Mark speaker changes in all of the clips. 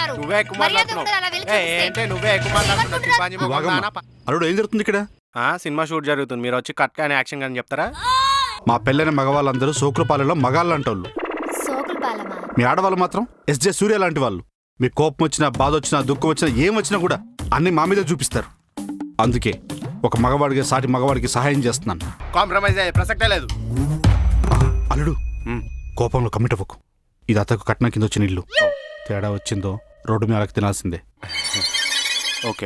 Speaker 1: మాట్లాడుతున్నారు.
Speaker 2: నువ్వే ఎక్కువ
Speaker 1: మర్యాద
Speaker 2: మాట్లాడుతున్నావు.
Speaker 1: ఉండదు, అలా వెళ్ళి చూస్తే.
Speaker 2: ఏంటే నువ్వే ఎక్కువ మాట్లాడుతున్నావు.
Speaker 3: అల్లుడు ఏం జరుగుతుంది ఇక్కడ?
Speaker 2: సినిమా షూట్ జరుగుతుంది, మీరు వచ్చి కట్ కానీ యాక్షన్ కానీ చెప్తారా?
Speaker 3: మా పెళ్ళైన మగవాళ్ళందరూ సోకులపాలెంలో మగాళ్ళు అంటోళ్ళు.
Speaker 1: సోకుల పాలమా?
Speaker 3: మీ ఆడవాళ్ళు మాత్రం ఎస్జే సూర్య లాంటి వాళ్ళు. మీ కోపం వచ్చినా, బాధ వచ్చినా, దుఃఖం వచ్చినా, ఏం వచ్చినా కూడా అన్ని మా మీద చూపిస్తారు. అందుకే ఒక మగవాడికి సాటి మగవాడికి సహాయం చేస్తున్నాను.
Speaker 2: కాంప్రమైజ్ అయ్యే ప్రసక్తే లేదు.
Speaker 3: అల్లుడు కోపంలో కమిట్ అవ్వకు. ఇది అతకు కట్నం కింద వచ్చిన ఇల్లు. తేడా వచ్చిందో రోడ్డు మీద అలకి తినాల్సిందే.
Speaker 2: ఓకే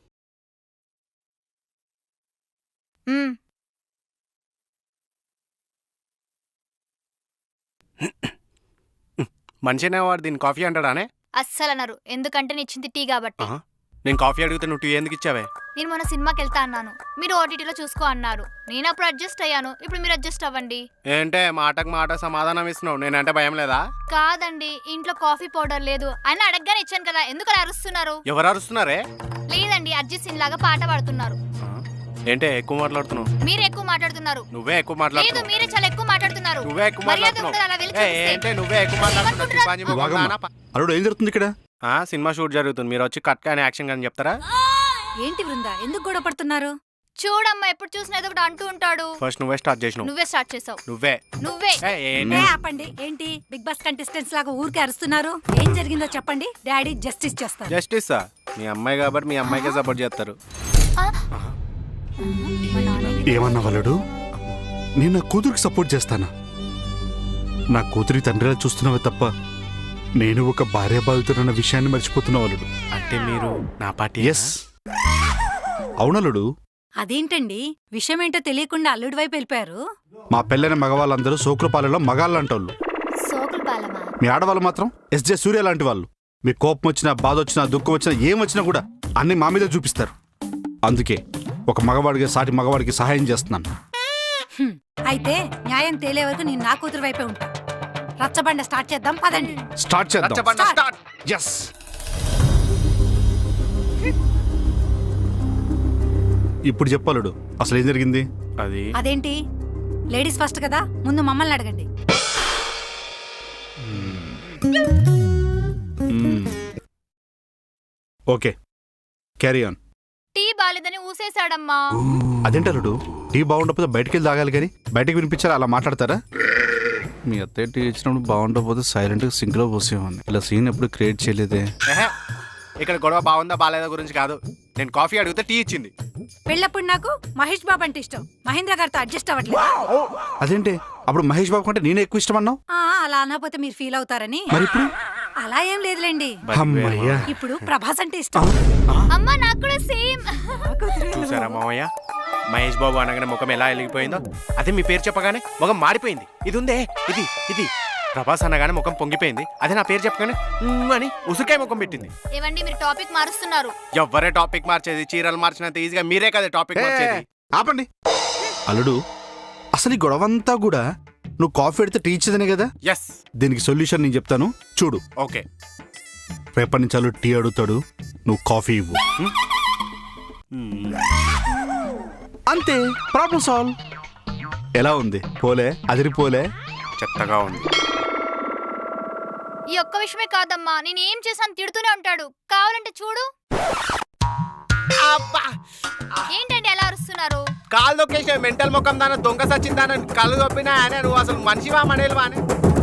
Speaker 2: మనిషినే వాడు దీన్ని కాఫీ అంటాడానే?
Speaker 1: అస్సలు అన్నారు, ఎందుకంటే నేను ఇచ్చింది టీ కాబట్టి.
Speaker 2: నేను కాఫీ అడిగితే నువ్వు టీ ఎందుకు ఇచ్చావే?
Speaker 1: నేను మొన్న సినిమాకి వెళ్తా అన్నాను, మీరు ఓటీటీలో చూసుకో అన్నారు. నేను అప్పుడు అడ్జస్ట్ అయ్యాను, ఇప్పుడు మీరు అడ్జస్ట్ అవ్వండి.
Speaker 2: ఏంటే మాటకు మాట సమాధానం ఇస్తున్నావు? నేనంటే భయం లేదా?
Speaker 1: కాదండి, ఇంట్లో కాఫీ పౌడర్ లేదు అని అడగగానే ఇచ్చాను కదా, ఎందుకు అలా అరుస్తున్నారు?
Speaker 2: ఎవరు అరుస్తున్నారే?
Speaker 1: లేదండి, అర్జిత్ సింగ్ లాగా పాట పాడుతున్నారు.
Speaker 2: ఏంటే ఎక్కువ మాట్లాడుతున్నావు?
Speaker 1: మీరు ఎక్కువ మాట్లాడుతున్నారు.
Speaker 2: నువ్వే ఎక్కువ
Speaker 1: లేదు,
Speaker 2: మాట్లాడుతున్నావు.
Speaker 1: మీరే చాలా ఎక్కువ మాట్లాడుతున్నారు.
Speaker 2: నువ్వే ఎక్కువ
Speaker 1: మర్యాద
Speaker 2: మాట్లాడుతున్నావు.
Speaker 1: ఉండదు, అలా వెళ్ళి చూస్తే.
Speaker 2: ఏంటే నువ్వే ఎక్కువ మాట్లాడుతున్నావు.
Speaker 3: అల్లుడు ఏం జరుగుతుంది ఇక్కడ?
Speaker 2: సినిమా షూట్ జరుగుతుంది, మీరు వచ్చి కట్ కానీ యాక్షన్ కానీ చెప్తారా?
Speaker 4: ఏంటి బృందా, ఎందుకు గొడవ పడుతున్నారు?
Speaker 1: చూడమ్మా, ఎప్పుడు చూసినా ఏదో ఒకటి అంటూ ఉంటాడు.
Speaker 2: ఫస్ట్ నువ్వే స్టార్ట్ చేసినావు.
Speaker 1: నువ్వే స్టార్ట్ చేసావు.
Speaker 2: నువ్వే
Speaker 1: నువ్వే
Speaker 4: ఏ ఆపండి. ఏంటి బిగ్ బాస్ కంటెస్టెంట్స్ లాగా ఊరికే అరుస్తున్నారు? ఏం జరిగిందో చెప్పండి, డాడీ జస్టిస్ చేస్తారు.
Speaker 2: జస్టిస్ మీ అమ్మాయి కాబట్టి మీ అమ్మాయికే సపోర్ట్ చేస్తారు.
Speaker 3: ఏమన్నా వాళ్ళడు? నేను నా కూతురికి సపోర్ట్ చేస్తానా? నా కూతురి తండ్రిలా చూస్తున్నావే తప్ప నేను ఒక భార్య బాధితున్న విషయాన్ని మర్చిపోతున్నా వాళ్ళడు.
Speaker 2: అంటే మీరు నా పార్టీ?
Speaker 3: ఎస్ అవునల్లుడు.
Speaker 4: అదేంటండి, విషయం ఏంటో తెలియకుండా అల్లుడి వైపు వెళ్ళిపోయారు?
Speaker 3: మా పెళ్ళైన మగవాళ్ళందరూ సోకులపాలెంలో మగాళ్ళు అంటోళ్ళు.
Speaker 1: సోకుల పాలమా?
Speaker 3: మీ ఆడవాళ్ళు మాత్రం ఎస్జే సూర్య లాంటి వాళ్ళు. మీ కోపం వచ్చినా, బాధ వచ్చినా, దుఃఖం వచ్చినా, ఏం వచ్చినా కూడా అన్ని మా మీద చూపిస్తారు. అందుకే ఒక మగవాడికి సాటి మగవాడికి సహాయం చేస్తున్నాను.
Speaker 4: అయితే న్యాయం తేలే వరకు నేను నా కూతురు వైపే ఉంటా. రచ్చబండ స్టార్ట్ చేద్దాం, పదండి.
Speaker 3: స్టార్ట్ చేద్దాం.
Speaker 2: స్టార్ట్.
Speaker 3: ఎస్. ఇప్పుడు చెప్పాలడు అసలు ఏం జరిగింది?
Speaker 4: అదేంటి, లేడీస్ ఫస్ట్ కదా, ముందు మమ్మల్ని అడగండి.
Speaker 3: Okay, carry on.
Speaker 1: టీ బాలేదని ఊసేశాడమ్మా.
Speaker 3: అదేంటలుడు, టీ బాగుండకపోతే బయటికి వెళ్ళి తాగాలి కానీ బయటికి వినిపించారా? అలా మాట్లాడతారా? మీ అత్తయ్య టీ ఇచ్చినప్పుడు బాగుండకపోతే సైలెంట్గా సింక్లో పోసేవాడిని. ఇలా సీన్ ఎప్పుడు క్రియేట్ చేయలేదే.
Speaker 2: ఇక్కడ గొడవ బాగుందా బాలేదా గురించి కాదు. నేను కాఫీ అడిగితే టీ ఇచ్చింది.
Speaker 4: పెళ్ళప్పుడు నాకు మహేష్ బాబు అంటే ఇష్టం, మహేంద్ర గారితో అడ్జస్ట్ అవ్వట్లేదు.
Speaker 3: అదేంటి, అప్పుడు మహేష్ బాబు కంటే నేనే ఎక్కువ ఇష్టం అన్నావు?
Speaker 4: అలా అనకపోతే మీరు ఫీల్ అవుతారని.
Speaker 3: మరి ఇప్పుడు?
Speaker 4: అలా ఏం లేదులేండి.
Speaker 3: అమ్మయ్యా,
Speaker 4: ఇప్పుడు ప్రభాస్ అంటే ఇష్టం.
Speaker 1: అమ్మా, నాకు కూడా సేమ్.
Speaker 2: చూసారా మామయ్య, మహేష్ బాబు అనగానే ముఖం ఎలా వెలిగిపోయిందో, అదే మీ పేరు చెప్పగానే ముఖం మారిపోయింది. ఇది ఉందే, ఇది ఇది ప్రభాస్ అనగానే ముఖం పొంగిపోయింది. అదే నా పేరు చెప్పగానే అని ఉసుకాయ ముఖం పెట్టింది.
Speaker 1: ఏవండి, మీరు టాపిక్ మారుస్తున్నారు.
Speaker 2: ఎవ్వరే టాపిక్ మార్చేది? చీరలు మార్చినంత ఈజీగా మీరే కదా టాపిక్ మార్చేది.
Speaker 3: ఆపండి. అల్లుడు, అసలు ఈ గొడవంతా కూడా నువ్వు కాఫీ పెడితే టీ ఇచ్చేదనే కదా?
Speaker 2: ఎస్.
Speaker 3: దీనికి సొల్యూషన్ నేను చెప్తాను, చూడు.
Speaker 2: ఓకే.
Speaker 3: రేపటి నుంచి అల్లుడు టీ అడుగుతాడు, నువ్వు కాఫీ ఇవ్వు. అంతే, ప్రాబ్లం సాల్వ్. ఎలా ఉంది? పోలే? అదిరిపోలే?
Speaker 2: చెత్తగా ఉంది.
Speaker 1: ఈ ఒక్క విషయమే కాదమ్మా, నేను ఏం చేశాను తిడుతూనే ఉంటాడు. కావాలంటే చూడు. ఏంటండి ఎలా అరుస్తున్నారు?
Speaker 2: కాలు దొక్కేసే మెంటల్ ముఖం దాన దొంగ సచ్చిందాన కళ్ళు దొప్పినా అనే నువ్వు అసలు మనిషివా మనేలువా అని.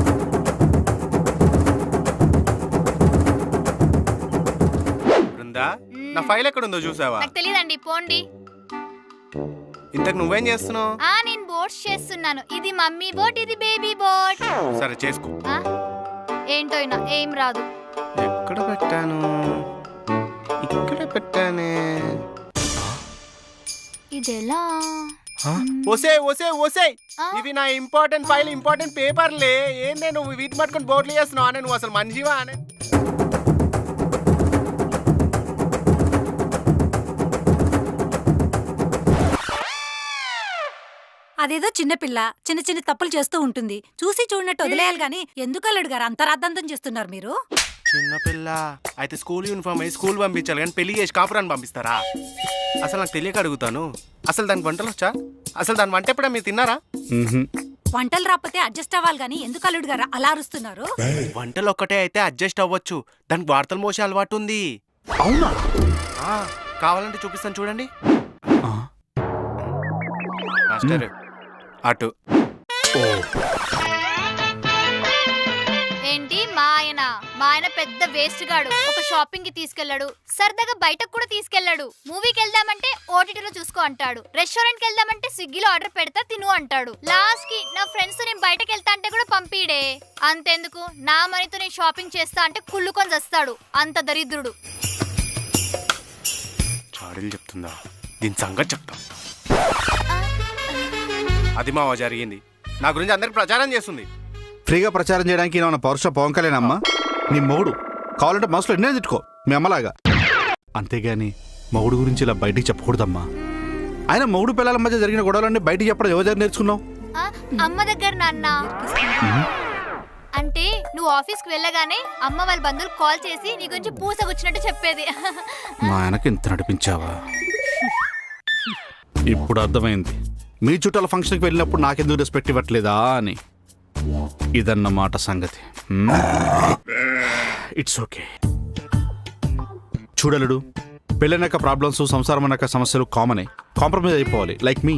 Speaker 2: బృందా, నా ఫైల్ ఎక్కడుందో చూసావా?
Speaker 1: నాకు తెలియదండి, పోండి.
Speaker 2: ఇంతకు నువ్వేం చేస్తున్నావు?
Speaker 1: నేను బోట్స్ చేస్తున్నాను. ఇది మమ్మీ బోట్, ఇది బేబీ బోట్.
Speaker 2: సరే చేసుకో.
Speaker 1: ఏంటో ఏం రాదు.
Speaker 2: ఎక్కడ పెట్టాను? ఇక్కడ పెట్టానే.
Speaker 1: ఇదెలా?
Speaker 2: ఒసే ఒసే ఒసే, ఇవి నా ఇంపార్టెంట్ ఫైల్, ఇంపార్టెంట్ పేపర్లే. ఏందే నువ్వు వీటి పట్టుకొని బోర్డులు చేస్తున్నావు అనే? నువ్వు అసలు మనిషివా అనే?
Speaker 4: అదేదో చిన్నపిల్ల చిన్న చిన్న తప్పులు చేస్తూ ఉంటుంది, చూసి చూడనట్టు వదిలేయాలి గాని ఎందుకు అల్లుడు గారు అంత రాద్ధాంతం చేస్తున్నారు మీరు?
Speaker 2: చిన్నపిల్ల అయితే స్కూల్ యూనిఫామ్ అయ్యి స్కూల్ పంపించాలి కానీ పెళ్లి చేసి కాపురాన్ని పంపిస్తారా? అసలు నాకు తెలియక అడుగుతాను, అసలు దానికి వంటలు వచ్చా? అసలు దాని వంట ఎప్పుడా మీరు తిన్నారా?
Speaker 4: వంటలు రాకపోతే అడ్జస్ట్ అవ్వాలి గాని ఎందుకు అల్లుడు గారు అలా అరుస్తున్నారు?
Speaker 2: వంటలు ఒక్కటే అయితే అడ్జస్ట్ అవ్వచ్చు, దానికి వార్తలు మోసే అలవాటు ఉంది.
Speaker 3: అవునా?
Speaker 2: ఆ, కావాలంటే చూపిస్తాను చూడండి.
Speaker 3: ఆ,
Speaker 2: మాస్టర్ అటు.
Speaker 3: ఓ,
Speaker 1: ఏంటి మా ఆయన పెద్ద వేస్ట్ గాడు. ఒక షాపింగ్ కి తీసుకెళ్లాడు, సరదాగా బయటకు కూడా తీసుకెళ్లాడు. మూవీకి వెళ్దామంటే ఓటీటీలో చూసుకో అంటాడు, రెస్టారెంట్ కి వెళ్దామంటే స్విగ్గీలో ఆర్డర్ పెడతా తిను అంటాడు. లాస్ట్ కి నా ఫ్రెండ్స్ నేను బయటకు వెళ్తా అంటే కూడా పంపిడే. అంతెందుకు, నా మనీతో నేను షాపింగ్ చేస్తా అంటే కుళ్ళుకొని చేస్తాడు. అంత దరిద్రుడు.
Speaker 2: చాడీలు చెప్తుందా? దీని సంగతి చెప్తా. అది మావా జరిగింది. నా గురించి అందరికి ప్రచారం చేస్తుంది.
Speaker 3: ఫ్రీగా ప్రచారం చేయడానికి ఏమన్నా పౌరుష పవన్కలేనమ్మా? నీ మొగుడు కావాలంటే మనసులో ఎన్నే తిట్టుకో మీ అమ్మలాగా. అంతేగాని మొగుడు గురించి ఇలా బయటికి చెప్పకూడదమ్మా. ఆయన మొగుడు పిల్లల మధ్య జరిగిన గొడవలన్నీ బయటికి చెప్పడం ఎవరి దగ్గర నేర్చుకున్నావు?
Speaker 1: ఆ, అమ్మ దగ్గర నాన్న. అంటే నువ్వు ఆఫీస్కి వెళ్ళగానే అమ్మ వాళ్ళ బంధువులు కాల్ చేసి నీ గురించి పూసగుచ్చినట్టు చెప్పేది.
Speaker 3: మా ఆయనకి ఇంత నడిపించావా? ఇప్పుడు అర్థమైంది మీ చుట్టాల ఫంక్షన్కి వెళ్ళినప్పుడు నాకెందుకు రెస్పెక్ట్ ఇవ్వట్లేదా అని. ఇదన్నమాట సంగతి. It's okay. చూడలుడు, పెళ్ళైనాక ప్రాబ్లమ్స్, సంసారం అన్నాక సమస్యలు కామనే. కాంప్రమైజ్ అయిపోవాలి, లైక్ మీ.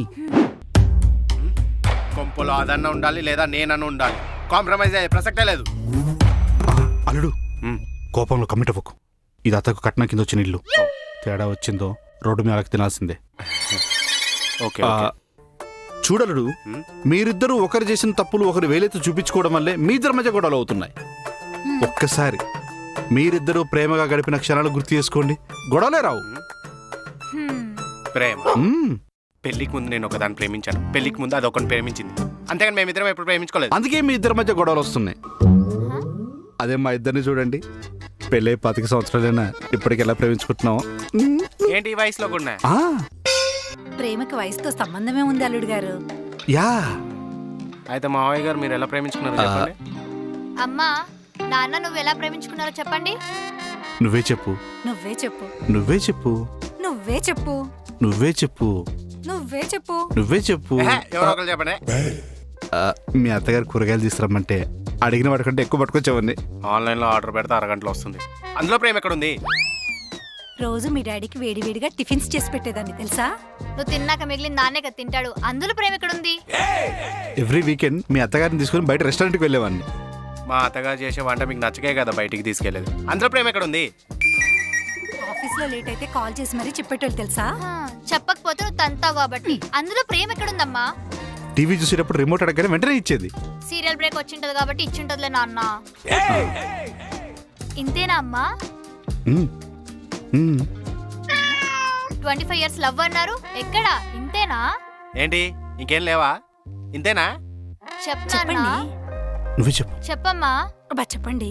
Speaker 2: కొంపలో అదన్న ఉండాలి లేదా నేనన్న ఉండాలి. కాంప్రమైజ్ అయ్యే ప్రసక్తే లేదు.
Speaker 3: అల్లుడు, కోపంలో కమిట్ అవ్వకు. ఇది అతకు కట్నం కింద వచ్చిన ఇల్లు. తేడా వచ్చిందో రోడ్డు మీద అలకి తినాల్సిందే.
Speaker 2: ఓకే
Speaker 3: చూడలుడు, మీరిద్దరూ ఒకరు చేసిన తప్పులు ఒకరు వేలెత్తి చూపించుకోవడం వల్లే మీ ఇద్దరి మధ్య గొడవలు అవుతున్నాయి. ఒక్కసారి మీరిద్దరూ ప్రేమగా గడిపిన క్షణాలు గుర్తు చేసుకోండి, గొడవలే రావు.
Speaker 2: ప్రేమ
Speaker 3: మ్మ్.
Speaker 2: పెళ్లికి ముందు నేను ఒకదాన్ని ప్రేమించాను, పెళ్లికి ముందు అది ఒకరిని ప్రేమించింది. అంతేగాని మేమిద్దరం ఎప్పుడు ప్రేమించుకోలేదు.
Speaker 3: అందుకే మీ ఇద్దరి మధ్య గొడవలు వస్తున్నాయి. అదే మా ఇద్దరిని చూడండి, పెళ్ళై 25 సంవత్సరాలైనా ఇప్పటికి ఎలా ప్రేమించుకుంటున్నావు?
Speaker 2: ఏంటి ఈ వయసులో కూడా?
Speaker 4: ప్రేమకి వయసుతో సంబంధమే ఉంది అల్లుడు గారు.
Speaker 3: యా.
Speaker 2: అయితే మావయ్య గారు మీరు ఎలా ప్రేమించుకున్నారు చెప్పండి.
Speaker 1: అమ్మా నాన్న నువ్వు ఎలా ప్రేమించుకున్నారో చెప్పండి.
Speaker 3: నువ్వే చెప్పు.
Speaker 4: నువ్వే చెప్పు.
Speaker 3: నువ్వే చెప్పు.
Speaker 4: నువ్వే చెప్పు.
Speaker 3: నువ్వే చెప్పు.
Speaker 4: నువ్వే చెప్పు.
Speaker 3: నువ్వే చెప్పు.
Speaker 2: ఎవరో ఒకరు చెప్పండి.
Speaker 3: మీ అత్తగారు కూరగాయలు తీసుకురమ్మంటే అడిగిన వాటికంటే ఎక్కువ పట్టుకొచ్చావండి.
Speaker 2: ఆన్లైన్ లో ఆర్డర్ పెడితే అరగంటలో వస్తుంది. అందులో ప్రేమ ఎక్కడుంది?
Speaker 4: రోజు మీ డాడీకి వేడివేడిగా టిఫిన్స్ చేసి పెట్టేదాన్ని తెలుసా?
Speaker 1: నువ్వు తిన్నాక మిగిలిన నాన్నే కదా తింటాడు. అందులో ప్రేమ ఎక్కడుంది?
Speaker 3: ఎవ్రీ వీకెండ్ మీ అత్తగారిని తీసుకుని బయట రెస్టారెంట్కి వెళ్ళేవాడిని.
Speaker 2: మా అత్తగారు చేసే వంట మీకు నచ్చకే కదా బయటికి తీసుకెళ్లేదు. అందులో ప్రేమ ఎక్కడుంది?
Speaker 4: ఆఫీస్ లో లేట్ అయితే కాల్ చేసి మరీ చెప్పేటోళ్ళు తెలుసా?
Speaker 1: చెప్పకపోతే నువ్వు తంతావు కాబట్టి. అందులో ప్రేమ ఎక్కడుందమ్మా?
Speaker 3: టీవీ చూసేటప్పుడు రిమోట్ అడగగానే వెంటనే ఇచ్చేది.
Speaker 1: సీరియల్ బ్రేక్ వచ్చింటది కాబట్టి ఇచ్చింటదిలే నాన్న. ఇంతేనా అమ్మా? 25 years లవ్ అన్నారు, ఎక్కడా? ఇంతేనా?
Speaker 2: ఏంటి ఇంకేం లేవా? ఇంతేనా?
Speaker 1: చెప్పండి.
Speaker 3: నువ్వే చెప్పు.
Speaker 1: చెప్పమ్మా.
Speaker 4: అబ్బా చెప్పండి.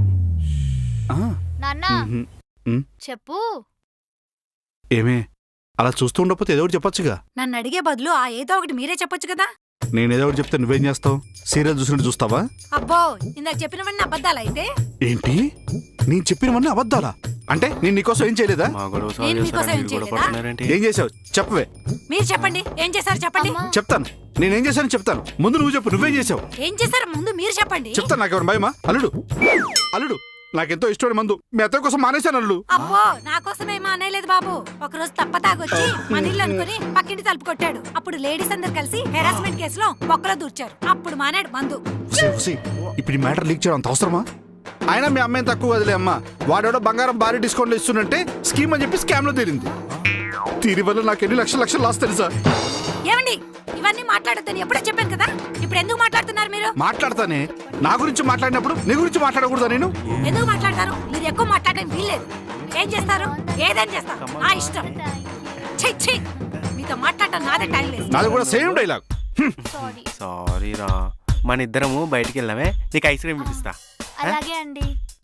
Speaker 1: నాన్న చెప్పు.
Speaker 3: ఏమే అలా చూస్తూ ఉండకపోతే ఏదో ఒకటి చెప్పొచ్చుగా.
Speaker 4: నన్ను అడిగే బదులు ఆ ఏదో ఒకటి మీరే చెప్పొచ్చు కదా.
Speaker 3: నేను ఏదో ఒకటి చెప్తే నువ్వేం చేస్తావు? సీరియల్ చూసినట్టు చూస్తావా?
Speaker 4: అబ్బో ఇందాక చెప్పినవన్నీ అబద్ధాలు అయితే?
Speaker 3: ఏంటి నేను చెప్పినవన్నీ అబద్ధాలా? అంటే నేను నీకోసం ఏం చేయలేదా?
Speaker 4: నేను మీకోసం ఏం చేయలేదా?
Speaker 3: ఏం చేసావు చెప్పవే.
Speaker 4: మీరు చెప్పండి, ఏం చేశారు చెప్పండి.
Speaker 1: అమ్మా.
Speaker 3: చెప్తాను నేనేం చేశాను చెప్తాను. ముందు నువ్వు చెప్పు, నువ్వేం చేసావు
Speaker 4: ఏం చేశారు ముందు మీరు చెప్పండి.
Speaker 3: చెప్తాను. నాకెవరు భయమా? అల్లుడు అల్లుడు నాకెంతో ఇష్టమైన మందు మీ అత్తయ్య కోసం మానేశాను అల్లుడు.
Speaker 4: అబ్బో నా కోసమేమో అనలేదు బాబు. ఒక రోజు తప్ప తాగొచ్చి మన ఇల్లు అనుకుని పక్కింటి తలుపు కొట్టాడు. అప్పుడు లేడీస్ అందరు కలిసి హెరాస్మెంట్ కేసులో బొక్కలో దూర్చారు. అప్పుడు మానాడు మందు.
Speaker 3: ఇప్పుడు ఈ మ్యాటర్ లీక్ చేయడం అంత అవసరమా? అయినా మీ అమ్మాయి తక్కువ వదిలే అమ్మా. వాడేడో బంగారం భారీ డిస్కౌంట్లు ఇస్తున్నట్టే స్కీమ్ అని చెప్పి స్కామ్ లో తీరింది. తీరి వల్ల నాకు ఎన్ని లక్షలు లాస్ తెలుసా?
Speaker 4: ఏమండి ఇవన్నీ మాట్లాడొద్దని ఎప్పుడో చెప్పాను కదా. ఇప్పుడు ఎందుకు మాట్లాడుతున్నారు మీరు?
Speaker 3: మాట్లాడతానే. నా గురించి మాట్లాడినప్పుడు నీ గురించి మాట్లాడకూడదా? నేను
Speaker 4: ఎందుకు మాట్లాడతారు? మీరు ఎక్కువ మాట్లాడడానికి వీల్లేదు. ఏం చేస్తారు? ఏదేం చేస్తారు నా ఇష్టం. ఛీ ఛీ మీతో మాట్లాడటం నాదే టైం లేదు.
Speaker 3: నాది కూడా సేమ్ డైలాగ్.
Speaker 2: సారీ రా, మన ఇద్దరము బయటికి వెళ్ళామే, నీకు ఐస్ క్రీమ్ ఇప్పిస్తా.
Speaker 1: అలాగే అండి.